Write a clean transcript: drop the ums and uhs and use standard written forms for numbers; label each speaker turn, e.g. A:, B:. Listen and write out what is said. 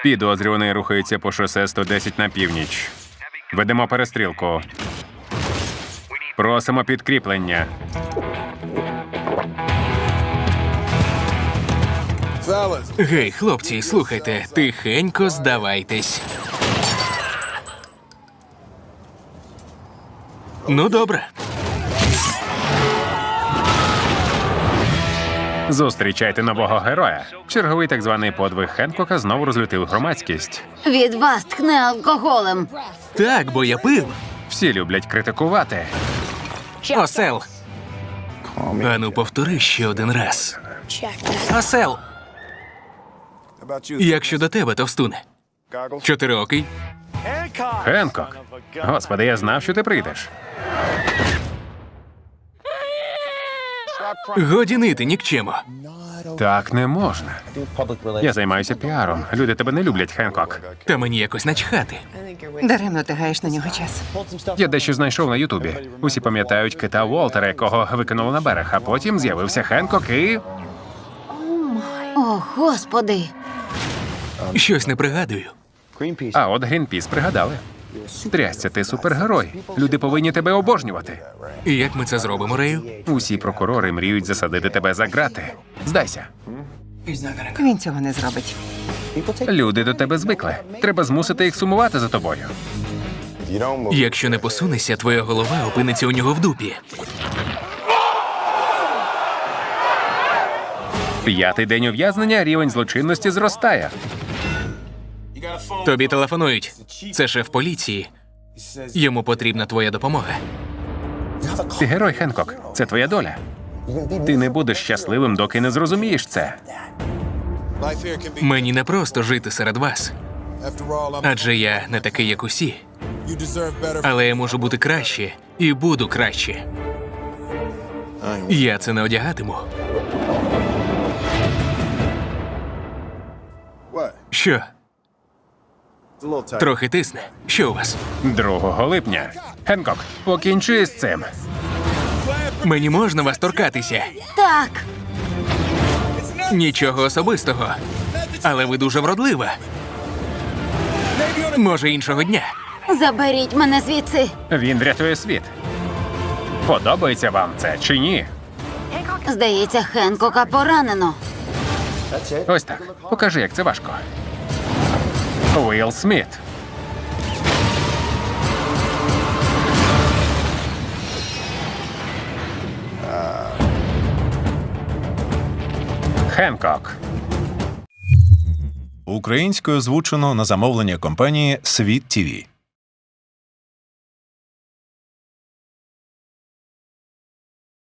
A: Підозрюваний рухається по шосе 110 на північ. Ведемо перестрілку. Просимо підкріплення.
B: Гей, хлопці, слухайте, тихенько здавайтесь. Ну, добре.
A: Зустрічайте нового героя. Черговий так званий подвиг Хенкока знову розлютив громадськість.
C: Від вас тхне алкоголем.
B: Так, бо я пив.
A: Всі люблять критикувати.
B: Осел. Ану, повтори ще один раз. Осел. Як щодо тебе, товстуне? Чотириокий?
A: Хенкок. Господи, я знав, що ти прийдеш.
B: Годі нити, нікчемо.
A: Так не можна. Я займаюся піаром. Люди тебе не люблять, Хенкок.
B: Та мені якось начхати.
D: Даремно ти гаєш на нього час.
A: Я дещо знайшов на Ютубі. Усі пам'ятають кита Уолтера, якого викинули на берег, а потім з'явився Хенкок і...
C: О, Господи.
B: Щось не пригадую.
A: А от Грінпіс пригадали. Трясся, ти супергерой. Люди повинні тебе обожнювати.
B: І як ми це зробимо, Рею?
A: Усі прокурори мріють засадити тебе за ґрати. Здайся.
D: Він цього не зробить.
A: Люди до тебе звикли. Треба змусити їх сумувати за тобою.
B: Якщо не посунешся, твоя голова опиниться у нього в дупі.
A: 5-й день ув'язнення, рівень злочинності зростає.
B: Тобі телефонують. Це шеф поліції. Йому потрібна твоя допомога.
A: Ти герой, Хенкок. Це твоя доля. Ти не будеш щасливим, доки не зрозумієш це.
B: Мені не просто жити серед вас. Адже я не такий, як усі. Але я можу бути краще і буду краще. Я це не одягатиму. Що? Трохи тисне. Що у вас?
A: 2 липня. Хенкок, покінчи з цим.
B: Мені можна вас торкатися?
C: Так.
B: Нічого особистого. Але ви дуже вродлива. Може, іншого дня.
C: Заберіть мене звідси.
A: Він врятує світ. Подобається вам це чи ні?
C: Здається, Хенкока поранено.
A: Ось так. Покажи, як це важко. Уилл Сміт. Хенкок.
E: Українською озвучено на замовлення компанії «Світ ТІВІ».